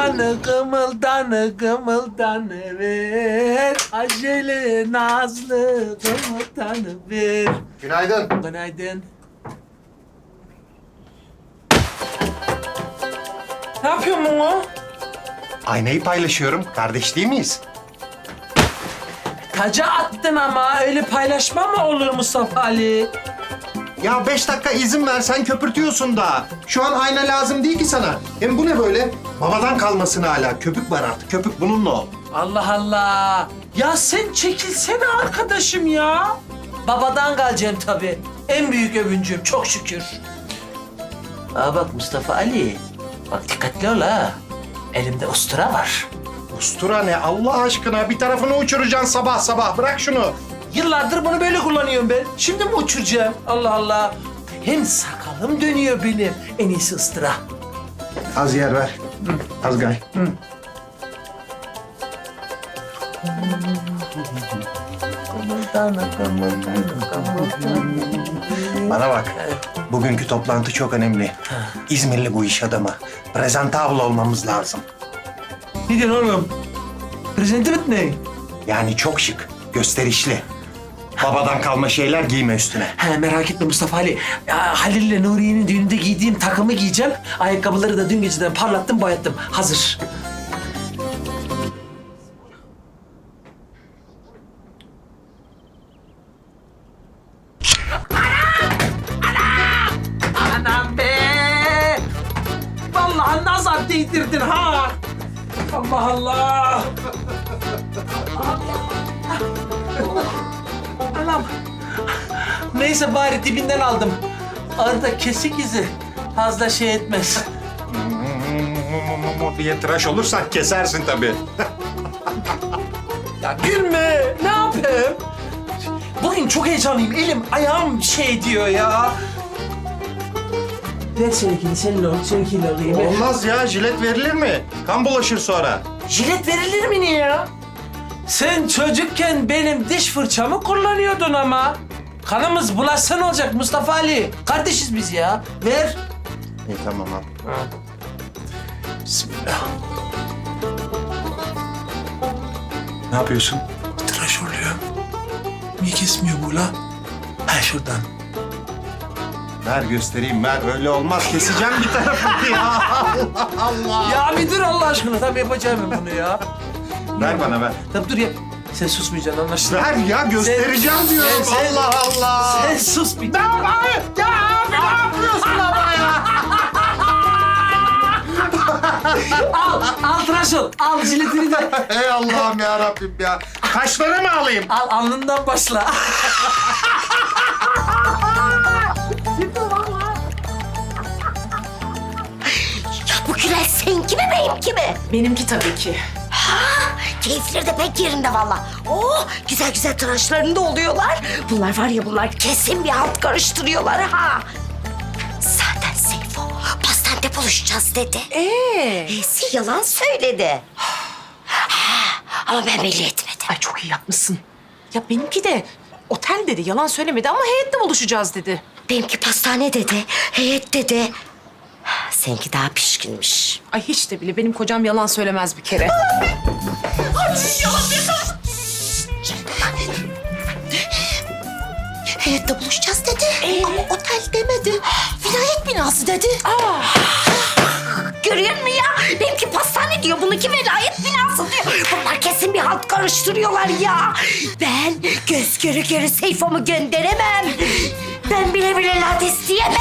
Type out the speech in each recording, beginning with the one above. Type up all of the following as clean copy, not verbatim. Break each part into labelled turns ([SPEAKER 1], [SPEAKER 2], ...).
[SPEAKER 1] kımıldanı ver. Acele nazlı kımıldanı ver.
[SPEAKER 2] Günaydın.
[SPEAKER 1] Günaydın. Ne yapıyorsun bunu?
[SPEAKER 2] Aynayı paylaşıyorum. Kardeş değil miyiz?
[SPEAKER 1] Taca attın ama öyle paylaşma mı olur Mustafa Ali?
[SPEAKER 2] Ya 5 dakika izin ver, sen köpürtüyorsun da. Şu an ayna lazım değil ki sana. Hem bu ne böyle? Babadan kalmasın hala. Köpük var artık. Köpük bununla ol.
[SPEAKER 1] Allah Allah. Ya sen çekilsene arkadaşım ya. Babadan kalacağım tabii. En büyük övüncüm çok şükür. Aa bak Mustafa Ali. Bak dikkatli ol ha. Elimde ustura var.
[SPEAKER 2] Ustura ne Allah aşkına? Bir tarafını uçuracaksın sabah sabah. Bırak şunu.
[SPEAKER 1] Yıllardır bunu böyle kullanıyorum ben. Şimdi mi uçuracağım? Allah Allah. Hem sakalım dönüyor benim. En iyisi ıstıra.
[SPEAKER 2] Az yer ver. Az gay. Bana bak. Bugünkü toplantı çok önemli. İzmirli bu iş adamı. Presentable olmamız lazım.
[SPEAKER 1] Ne diyorsun oğlum? Presentiment ne?
[SPEAKER 2] Yani çok şık, gösterişli. Babadan kalma şeyler giyme üstüne.
[SPEAKER 1] He merak etme Mustafa Ali. Ya, Halil'le Nuriye'nin düğününde giydiğim takımı giyeceğim. Ayakkabıları da dün geceden parlattım, boyattım. Hazır. Anam be! Vallahi nazar değdirdin ha! Allah Allah! Anam! Neyse bari dibinden aldım. Arada kesik izi fazla şey etmez.
[SPEAKER 2] diye tıraş olursak kesersin tabii.
[SPEAKER 1] Ya gülme, ne yapayım? Bugün çok heyecanlıyım, elim ayağım şey diyor ya. Ver seninkini, senin ol, seninkiyle alayım.
[SPEAKER 2] Olmaz ya, jilet verilir mi? Kan bulaşır sonra.
[SPEAKER 1] Jilet verilir mi niye ya? Sen çocukken benim diş fırçamı kullanıyordun ama. Kanımız bulaşsa ne olacak Mustafa Ali? Kardeşiz biz ya. Ver.
[SPEAKER 2] İyi tamam al.
[SPEAKER 1] Bismillah.
[SPEAKER 2] Ne yapıyorsun?
[SPEAKER 1] Tıraş oluyor. Niye kesmiyor bu la? Ha şuradan.
[SPEAKER 2] Ver göstereyim, ver. Öyle olmaz. Keseceğim bir tarafını ya. Allah Allah.
[SPEAKER 1] Ya bir dur Allah aşkına. Tabii yapacağım ben bunu ya.
[SPEAKER 2] Ver bana, ver.
[SPEAKER 1] Tabii dur yap. Sen susmayacaksın anlaşıldı.
[SPEAKER 2] Ver ya, göstereceğim diyorum. Allah Allah.
[SPEAKER 1] Sen sus bir.
[SPEAKER 2] Tamam abi. Ya abi ne yapıyorsun ama ya?
[SPEAKER 1] Al tıraş ol. Al jiletini de.
[SPEAKER 2] Ey Allah'ım ya Rabbim ya. Kaşları mı alayım?
[SPEAKER 1] Al alnından başla.
[SPEAKER 3] Ya bu Gülel seninki mi benimki mi?
[SPEAKER 4] Benimki tabii ki.
[SPEAKER 3] Ha, keyifleri de pek yerinde valla. Oh, güzel güzel tıraşlarında oluyorlar. Bunlar var ya bunlar kesin bir halt karıştırıyorlar ha. Zaten Seyfo pastanede buluşacağız dedi. Nesi yalan söyledi. Ha, ama ben belli etmedim.
[SPEAKER 4] Ay çok iyi yapmışsın. Ya benimki de otel dedi, yalan söylemedi ama heyette buluşacağız dedi.
[SPEAKER 3] Benimki pastane dedi, heyet dedi. Seninki daha pişkinmiş.
[SPEAKER 4] Ay hiç de bile benim kocam yalan söylemez bir kere.
[SPEAKER 3] Heyette buluşacağız dedi. Ama otel demedi. Vilayet binası dedi. Görüyor musun ya? Benimki pastane diyor, bununki velayet binası diyor. Bunlar kesin bir halt karıştırıyorlar ya. Ben göz göre göre Seyfo'mu gönderemem. Ben bile bile lades diyemem.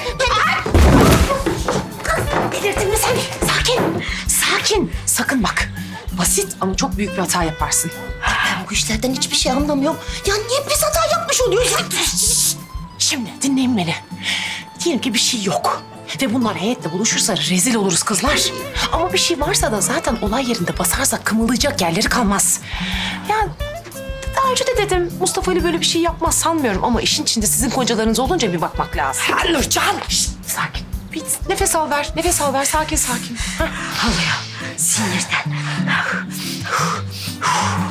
[SPEAKER 3] Delirdin mi sen?
[SPEAKER 4] Sakin, sakin. Sakın bak. Basit ama çok büyük bir hata yaparsın.
[SPEAKER 3] Ben bu işlerden hiçbir şey anlamıyorum. Ya niye biz hata yapmış oluyoruz?
[SPEAKER 4] Şimdi dinleyin beni. Diyelim ki bir şey yok. Ve bunlar heyetle buluşursa rezil oluruz kızlar. Ama bir şey varsa da zaten olay yerinde basarsak kımıldayacak yerleri kalmaz. Ya daha önce de dedim Mustafa Ali böyle bir şey yapmaz sanmıyorum. Ama işin içinde sizin kocalarınız olunca bir bakmak lazım.
[SPEAKER 3] Nurcan.
[SPEAKER 4] Şişt, sakin. Bir nefes al ver, nefes al ver. Sakin sakin. Hah.
[SPEAKER 3] Alıyor sinirden.